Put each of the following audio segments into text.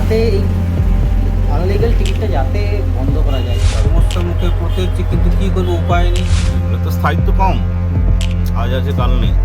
যাতে এই আনলিগাল টিকিটটা যাতে বন্ধ করা যায়। সমস্যার মুখে পড়তে হচ্ছে, কিন্তু কী করবো, উপায় নেই। এগুলো তো স্থায়িত্ব কম, আজ আছে কাল নেই।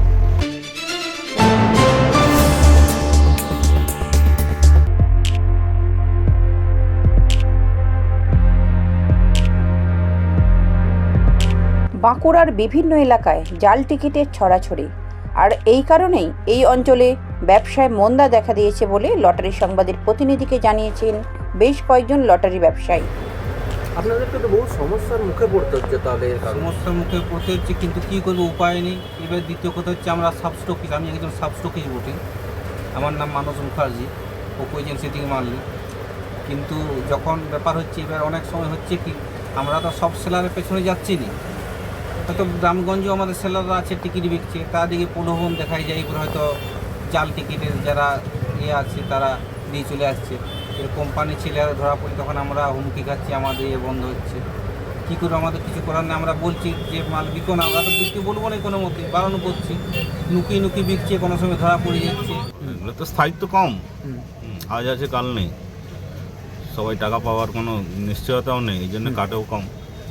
বাঁকুড়ার বিভিন্ন এলাকায় জাল টিকিটের ছড়াছড়ি, আর এই কারণেই এই অঞ্চলে ব্যবসায় মন্দা দেখা দিয়েছে বলে লটারি সংবাদের প্রতিনিধিকে জানিয়েছেন বেশ কয়েকজন লটারি ব্যবসায়ী। আপনাদেরকে তো বহু সমস্যার মুখে পড়তে হচ্ছে তাহলে এর কারণে। সমস্যার মুখে পড়তে হচ্ছে, কিন্তু কী করবো, উপায় নেই। এবার দ্বিতীয় কথা হচ্ছে, আমরা সাবস্টকিস, আমি একজন সাবস্টকিস বটে। আমার নাম মানস মুখার্জি, ওপো এজেন্সি থেকে মানলি। কিন্তু যখন ব্যাপার হচ্ছে, এবার অনেক সময় হচ্ছে কি, আমরা তো সব সেলারের পেছনে যাচ্ছি না। হয়তো গ্রামগঞ্জেও আমাদের সেলাররা আছে, টিকিট বিকছে, তাদেরকে প্রলোভন দেখাই যায়, এবার হয়তো জাল টিকিটের যারা আছে তারা দিয়ে চলে আসছে। এর কোম্পানির ছেলেরা ধরা পড়ে, তখন আমরা হুমকি খাচ্ছি, আমাদের বন্ধ হচ্ছে। কী করে, আমাদের কিছু করার নেই। আমরা বলছি যে মাল বিকো না, আমরা তো বিক্রি বলবো না কোনো মতে, বারণ করছি। নুকি বিকছে, কোনো সময় ধরা পড়ে যাচ্ছে। এগুলো তো স্থায়িত্ব কম, আজ আছে কাল নেই। সবাই টাকা পাওয়ার কোনো নিশ্চয়তাও নেই, এই জন্য কাটেও কম।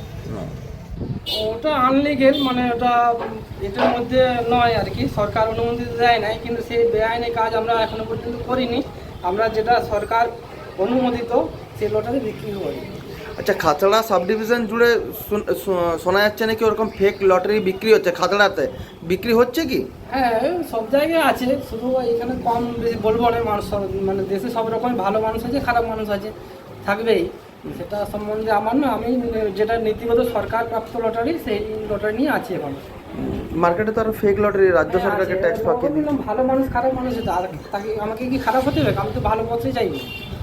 ওটা আনলিগেল, মানে ওটা এটার মধ্যে নয় আর কি, সরকার অনুমতি দেয় নাই, কিন্তু সেই বেআইনি কাজ আমরা এখনো পর্যন্ত করিনি। আমরা যেটা সরকার অনুমোদিত সেই লটারি বিক্রি করি। আচ্ছা, খাতড়া সাব ডিভিশন জুড়ে শোনা যাচ্ছে নাকি ওরকম ফেক লটারি বিক্রি হচ্ছে, খাতড়াতে বিক্রি হচ্ছে কি? হ্যাঁ, সব জায়গায় আছে, শুধু এখানে কম বেশি বলবো না। মানুষ মানে দেশে সব রকম ভালো মানুষ আছে, খারাপ মানুষ আছে, থাকবেই। সেটা সম্বন্ধে আমার না, আমি যেটা নীতিগত সরকার প্রাপ্ত লটারি, সেই লটারি নিয়ে আছি এখন। মার্কেটে তো আরো ফেক লটারি রাজ্য সরকারকে ট্যাক্স পাকিয়ে দিচ্ছে। ভালো মানুষ খারাপ মানুষ আছে, আর তাকে আমাকে কি খারাপ হতে হবে? আমি তো ভালো পথে চাইবো।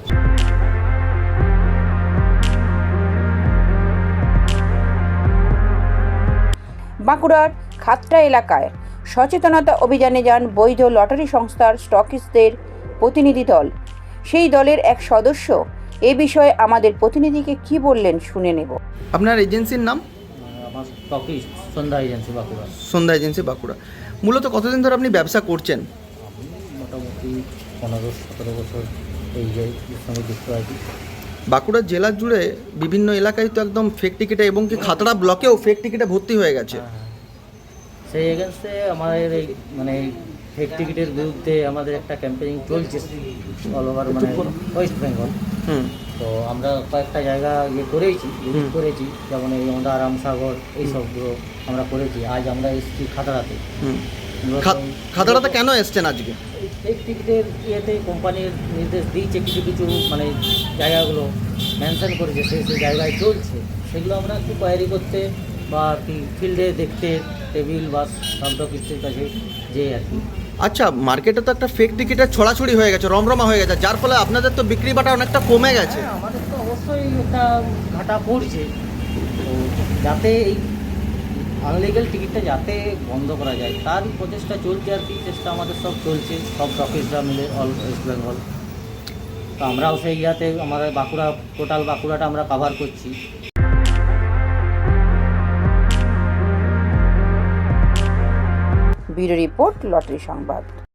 বাঁকুড়ার খাতড়া এলাকায় সচেতনতা অভিযানে যান বৈধ লটারি সংস্থার স্টকিস্টদের প্রতিনিধি দল। সেই দলের এক সদস্য এ বিষয়ে আমাদের প্রতিনিধিকে কি বললেন শুনে নেব। আপনার এজেন্সির নাম? আমার stockist Sandhya agency Bankura. Sandhya agency Bankura. মূলত কতদিন ধরে আপনি ব্যবসা করছেন? আমি মোটামুটি 15-17 বছর এই যে সঙ্গে যুক্ত আছি। বাঁকুড়া জেলা জুড়ে বিভিন্ন এলাকায় তো একদম ফেক টিকিটে, এবং কি খাতড়া ব্লকেও ফেক টিকিটে ভর্তি হয়ে গেছে। সেই এগেন্সে আমাদের এই মানে ফেক টিকিটের বিরুদ্ধে আমাদের একটা ক্যাম্পেইন চলছে অল ওভার মানে ওয়েস্ট বেঙ্গল। তো আমরা কয়েকটা জায়গা করেছি, ভিজিট করেছি, যেমন এই আমরা রামসাগর এইসবগুলো আমরা করেছি। আজ আমরা এসেছি খাতড়াতে। খাতড়াতে কেন এসছেন আজকে? ফেক টিকিটের ইয়েতে কোম্পানির নির্দেশ দিয়েছে, কিছু কিছু মানে জায়গাগুলো মেনশন করেছে, সেই জায়গায় চলছে। সেগুলো আমরা একটু কোয়ারি করতে বা আর কি ফিল্ডে দেখতে টেবিল বা সাবডকিস্টের কাছে যে আর কি। আচ্ছা, মার্কেটে তো একটা ফেক টিকিটের ছড়াছড়ি হয়ে গেছে, রমরমা হয়ে গেছে, যার ফলে আপনাদের তো বিক্রি বাটা অনেকটা কমে গেছে। হ্যাঁ, আমাদের তো অবশ্যই একটা ঘাটা পড়ছে। তো যাতে এই আনলিগাল টিকিটটা যাতে বন্ধ করা যায় তারই প্রচেষ্টা চলছে আর কি। চেষ্টা আমাদের সব চলছে, সব অফিসরা মিলে অল ওয়েস্ট বেঙ্গল। তো আমরাও সেই ইয়াতে আমাদের বাঁকুড়া, টোটাল বাঁকুড়াটা আমরা কভার করছি। ব্যুরো রিপোর্ট, লটারি সংবাদ।